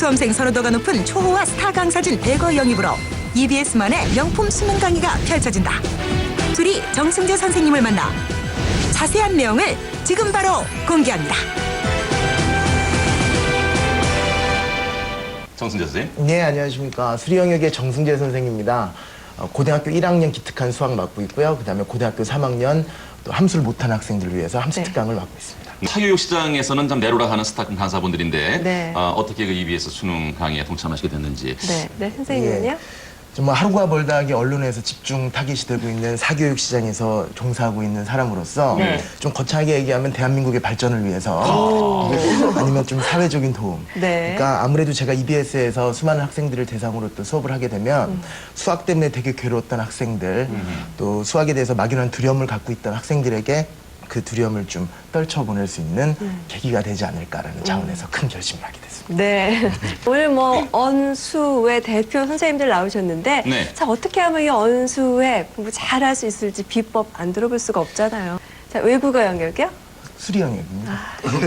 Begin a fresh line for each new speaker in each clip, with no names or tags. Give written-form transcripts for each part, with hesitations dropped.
수험생 선호도가 높은 초호화 스타 강사진 100여 영입으로 EBS만의 명품 수능 강의가 펼쳐진다. 둘이 정승재 선생님을 만나 자세한 내용을 지금 바로 공개합니다.
정승재 선생님.
네, 안녕하십니까. 수리영역의 정승재 선생입니다. 고등학교 1학년 기특한 수학 맡고 있고요. 그다음에 고등학교 3학년 또 함수를 못한 학생들을 위해서 함수 특강을 맡고 있습니다.
사교육 시장에서는 참 내로라하는 스타 강사분들인데
네.
어떻게 그 EBS 수능 강의에 동참하시게 됐는지.
네, 선생님은요?
예. 정말 하루가 멀다하게 언론에서 집중 타깃이 되고 있는 사교육 시장에서 종사하고 있는 사람으로서 좀 거창하게 얘기하면 대한민국의 발전을 위해서 아니면 좀 사회적인 도움.
네.
그러니까 아무래도 제가 EBS에서 수많은 학생들을 대상으로 또 수업을 하게 되면 수학 때문에 되게 괴로웠던 학생들 또 수학에 대해서 막연한 두려움을 갖고 있던 학생들에게 그 두려움을 좀 떨쳐보낼 수 있는 계기가 되지 않을까라는 차원에서 큰 결심을 하게 됐습니다.
네. 오늘 뭐 언수의 대표 선생님들 나오셨는데
네.
자, 어떻게 하면 이 언수회 공부 잘할 수 있을지 비법 안 들어볼 수가 없잖아요. 자, 외국어 영역이요?
수리 영역입니다.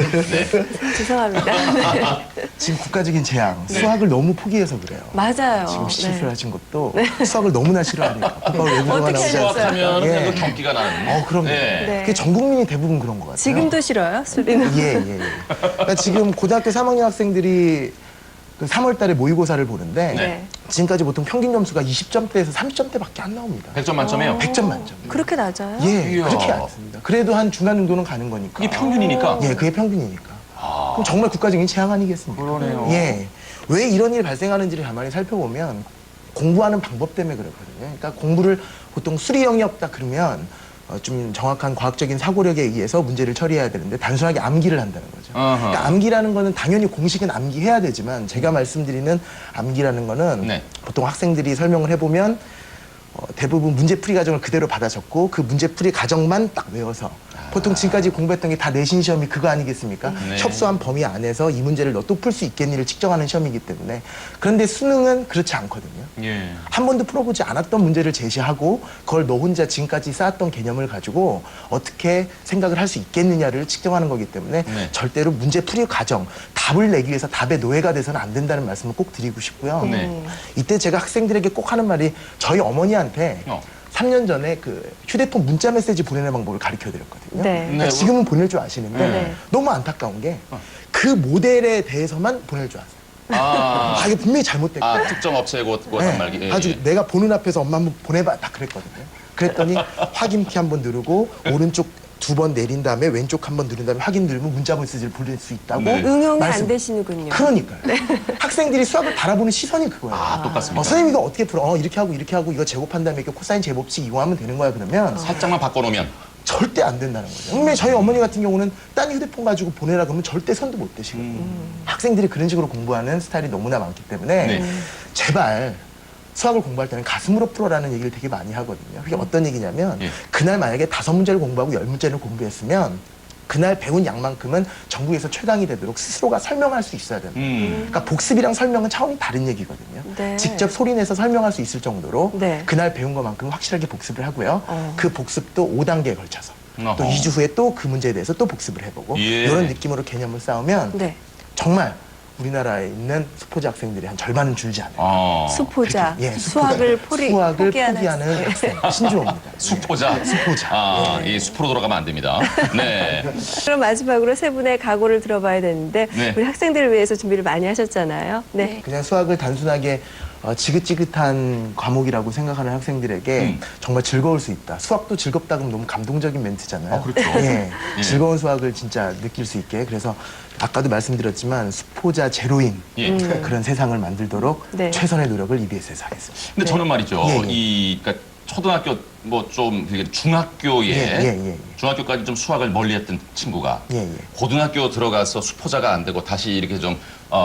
죄송합니다. 네.
지금 국가적인 재앙, 수학을 너무 포기해서 그래요.
맞아요.
지금 실수를
네.
하신 것도 수학을 너무나 싫어하니까. 국가가 외국어가
어떻게
나오지
하셨어요?
않습니까?
수학하면
예.
그냥 그 경기가 나는.
그럼요.
네.
네.
그게 전 국민이 대부분 그런 것 같아요.
지금도 싫어요, 수리는?
예. 그러니까 지금 고등학교 3학년 학생들이 그 3월 달에 모의고사를 보는데
네.
지금까지 보통 평균 점수가 20점대에서 30점대밖에 안 나옵니다.
100점 만점에요.
100점 만점.
그렇게 낮아요?
예,
이야.
그렇게 않습니다. 그래도 한 중간 정도는 가는 거니까.
그게 평균이니까.
예, 그게 평균이니까. 그럼 정말 국가적인 재앙 아니겠습니까?
그러네요.
예. 왜 이런 일이 발생하는지를 가만히 살펴보면 공부하는 방법 때문에 그렇거든요. 그러니까 공부를 보통 수리 영역다 그러면 좀 정확한 과학적인 사고력에 의해서 문제를 처리해야 되는데 단순하게 암기를 한다는 거죠. 그러니까 암기라는 거는 당연히 공식은 암기해야 되지만 제가 말씀드리는 암기라는 거는
네.
보통 학생들이 설명을 해보면 대부분 문제풀이 과정을 그대로 받아 적고 그 문제풀이 과정만 딱 외워서 보통 지금까지 공부했던 게 다 내신 시험이 그거 아니겠습니까?
네.
협소한 범위 안에서 이 문제를 너 또 풀 수 있겠니를 측정하는 시험이기 때문에 그런데 수능은 그렇지 않거든요.
예.
한 번도 풀어보지 않았던 문제를 제시하고 그걸 너 혼자 지금까지 쌓았던 개념을 가지고 어떻게 생각을 할 수 있겠느냐를 측정하는 거기 때문에
네.
절대로 문제풀이 과정, 답을 내기 위해서 답의 노예가 돼서는 안 된다는 말씀을 꼭 드리고 싶고요.
네.
이때 제가 학생들에게 꼭 하는 말이 저희 어머니한테 3년 전에 그 휴대폰 문자 메시지 보내는 방법을 가르쳐 드렸거든요.
네.
그러니까
네.
지금은 보낼 줄 아시는데
네.
너무 안타까운 게 그 모델에 대해서만 보낼 줄 아세요. 이게 분명히 잘못됐고
특정 업체고
네,
단말기. 예,
아주
예.
내가 보는 앞에서 엄마 한번 보내봐 딱 그랬거든요. 그랬더니 확인키 한번 누르고 오른쪽 2번 내린 다음에 왼쪽 한번 누른 다음에 확인 누르면 문자 메시지를 보낼 수 있다고
네.
응용이
말씀-
안 되시는군요.
그러니까요. 학생들이 수학을 바라보는 시선이 그거예요.
똑같습니다.
선생님 이거 어떻게 풀어? 이렇게 하고 이거 제곱한 다음에 이렇게 코사인 제곱식 이용하면 되는 거야 그러면
살짝만 바꿔놓으면.
절대 안 된다는 거죠. 분명히 저희 어머니 같은 경우는 딴 휴대폰 가지고 보내라 그러면 절대 손도 못 대시거든요. 학생들이 그런 식으로 공부하는 스타일이 너무나 많기 때문에
네.
제발 수학을 공부할 때는 가슴으로 풀어라는 얘기를 되게 많이 하거든요. 그게 어떤 얘기냐면
예.
그날 만약에 5문제를 공부하고 10문제를 공부했으면 그날 배운 양만큼은 전국에서 최강이 되도록 스스로가 설명할 수 있어야 됩니다. 그러니까 복습이랑 설명은 차원이 다른 얘기거든요.
네.
직접 소리내서 설명할 수 있을 정도로
네.
그날 배운 것만큼 확실하게 복습을 하고요. 그 복습도 5단계에 걸쳐서 또
어허.
2주 후에 또 그 문제에 대해서 또 복습을 해보고
예.
이런 느낌으로 개념을 쌓으면
네.
정말 우리나라에 있는 수포자 학생들이 한 절반은 줄지 않아요.
수포자,
그렇게,
수학을
수학을
포기하는
포기하는 학생 신주호입니다.
수포자.
수포자.
이 숲으로 돌아가면 안 됩니다. 네.
그럼 마지막으로 세 분의 각오를 들어봐야 되는데
네.
우리 학생들을 위해서 준비를 많이 하셨잖아요. 네.
그냥 수학을 단순하게 지긋지긋한 과목이라고 생각하는 학생들에게 정말 즐거울 수 있다. 수학도 즐겁다 그러면 너무 감동적인 멘트잖아요.
그렇죠.
예,
예.
즐거운 수학을 진짜 느낄 수 있게 그래서 아까도 말씀드렸지만 수포자 제로인
예.
그런 세상을 만들도록
네.
최선의 노력을 EBS에서 하겠습니다.
근데 저는 말이죠.
예, 예.
그러니까 초등학교 뭐 좀 중학교에
예.
중학교까지 좀 수학을 멀리했던 친구가
예.
고등학교 들어가서 수포자가 안 되고 다시 이렇게 좀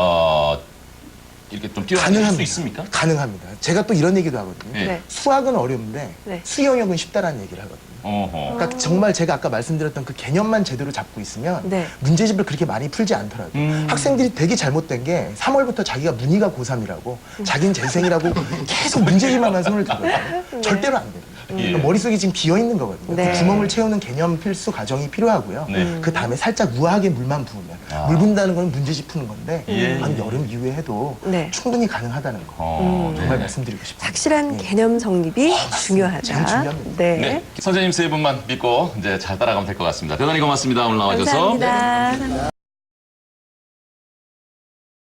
이렇게 좀 뛰어날 수
가능합니다.
있습니까?
가능합니다. 제가 또 이런 얘기도 하거든요.
예.
네.
수학은 어려운데
네.
수리 영역은 쉽다라는 얘기를 하거든요.
어허.
그러니까 정말 제가 아까 말씀드렸던 그 개념만 제대로 잡고 있으면
네.
문제집을 그렇게 많이 풀지 않더라고요. 학생들이 되게 잘못된 게 3월부터 자기가 문희가 고3이라고 자기는 재생이라고 계속 문제집만 손을 들거든요. 절대로 안 됩니다. 그러니까 머릿속이 지금 비어 있는 거거든요.
네.
그 구멍을 채우는 개념 필수 과정이 필요하고요.
네.
그 다음에 살짝 우아하게 물만 부으면 물 붓는다는 건 문제집 푸는 건데
예.
한 여름 이후에 해도
네.
충분히 가능하다는 거 정말 말씀드리고 싶습니다.
확실한 개념 정립이 중요하다.
참 중요합니다.
네.
네. 선생님 세 분만 믿고 이제 잘 따라가면 될 것 같습니다. 대단히 고맙습니다. 오늘 나와주셔서.
감사합니다.